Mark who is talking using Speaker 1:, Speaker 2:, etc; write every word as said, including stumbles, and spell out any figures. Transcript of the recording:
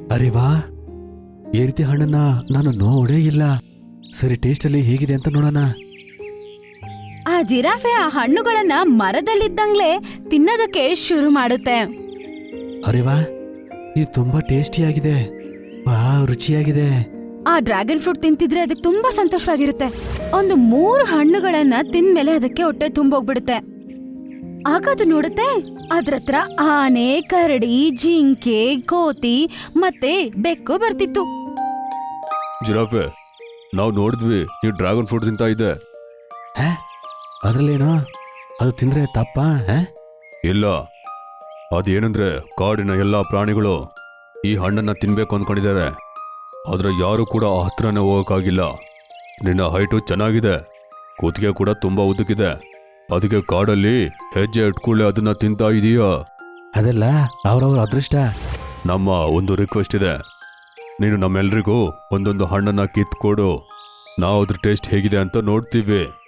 Speaker 1: ಅರೆ ವಾ, ಈ ರೀತಿ ಹಣ್ಣನ್ನ ನಾನು ನೋಡೇ ಇಲ್ಲ. ಸರಿ, ಟೇಸ್ಟಲ್ಲಿ ಹೇಗಿದೆ ಅಂತ ನೋಡೋಣ.
Speaker 2: ಆ ಜಿರಾಫೆ ಆ ಹಣ್ಣುಗಳನ್ನ ಮರದಲ್ಲಿದ್ದಂಗ್ಲೇ ತಿನ್ನೋದಕ್ಕೆ ಶುರು ಮಾಡುತ್ತೆ.
Speaker 1: ಅರೆ ವಾ, ಇದು ತುಂಬಾ ಟೇಸ್ಟಿಯಾಗಿದೆ. ವಾ, ರುಚಿಯಾಗಿದೆ.
Speaker 2: ಆ ಡ್ರ್ಯಾಗನ್ ಫ್ರೂಟ್ ತಿಂತಿದ್ರೆ ಅದಕ್ಕೆ ತುಂಬಾ ಸಂತೋಷವಾಗಿರುತ್ತೆ. ಒಂದು ಮೂರು ಹಣ್ಣುಗಳನ್ನ ತಿಂದ್ಮೇಲೆ ಅದಕ್ಕೆ ಹೊಟ್ಟೆ ತುಂಬೋಗ್ಬಿಡುತ್ತೆ. ಆಗ ಅದು ನೋಡುತ್ತೆ, ಅದ್ರ ಹತ್ರ ಆನೆ, ಕರಡಿ, ಜಿಂಕೆ, ಕೋತಿ ಮತ್ತೆ ಬೆಕ್ಕು ಬರ್ತಿತ್ತು.
Speaker 3: ಜಿರಾಫೆ, ನಾವು ನೋಡಿದ್ವಿ ನೀವು ಡ್ರ್ಯಾಗನ್ ಫ್ರೂಟ್ ತಿಂತಾ ಇದ್ದೆ.
Speaker 1: ಹೇ, ಅದ್ರಲ್ಲೇನೋ ಅದು ತಿಂದ್ರೆ ತಪ್ಪ? ಹೇ,
Speaker 3: ಇಲ್ಲ, ಅದೇನಂದ್ರೆ ಕಾಡಿನ ಎಲ್ಲ ಪ್ರಾಣಿಗಳು ಈ ಹಣ್ಣನ್ನ ತಿನ್ಬೇಕು ಅಂದ್ಕೊಂಡಿದ್ದಾರೆ. ಆದ್ರೆ ಯಾರು ಕೂಡ ಆ ಹತ್ರನೇ ಹೋಗೋಕ್ಕಾಗಿಲ್ಲ. ನಿನ್ನ ಹೈಟು ಚೆನ್ನಾಗಿದೆ, ಕೂತಿಗೆ ಕೂಡ ತುಂಬಾ ಉದ್ದಕ್ಕಿದೆ. ಅದಕ್ಕೆ ಕಾಡಲ್ಲಿ ಹೆಜ್ಜೆ ಇಟ್ಕೊಳ್ಳೆ ಅದನ್ನ ತಿಂತಾ ಇದೀಯಾ?
Speaker 1: ಅದೆಲ್ಲ ಅವ್ರವ್ರ ಅದೃಷ್ಟ.
Speaker 3: ನಮ್ಮ ಒಂದು ರಿಕ್ವೆಸ್ಟ್ ಇದೆ, ನೀನು ನಮ್ಮೆಲ್ರಿಗೂ ಒಂದೊಂದು ಹಣ್ಣನ್ನ ಕಿತ್ಕೊಡು. ನಾವು ಅದ್ರ ಟೇಸ್ಟ್ ಹೇಗಿದೆ ಅಂತ ನೋಡ್ತೀವಿ.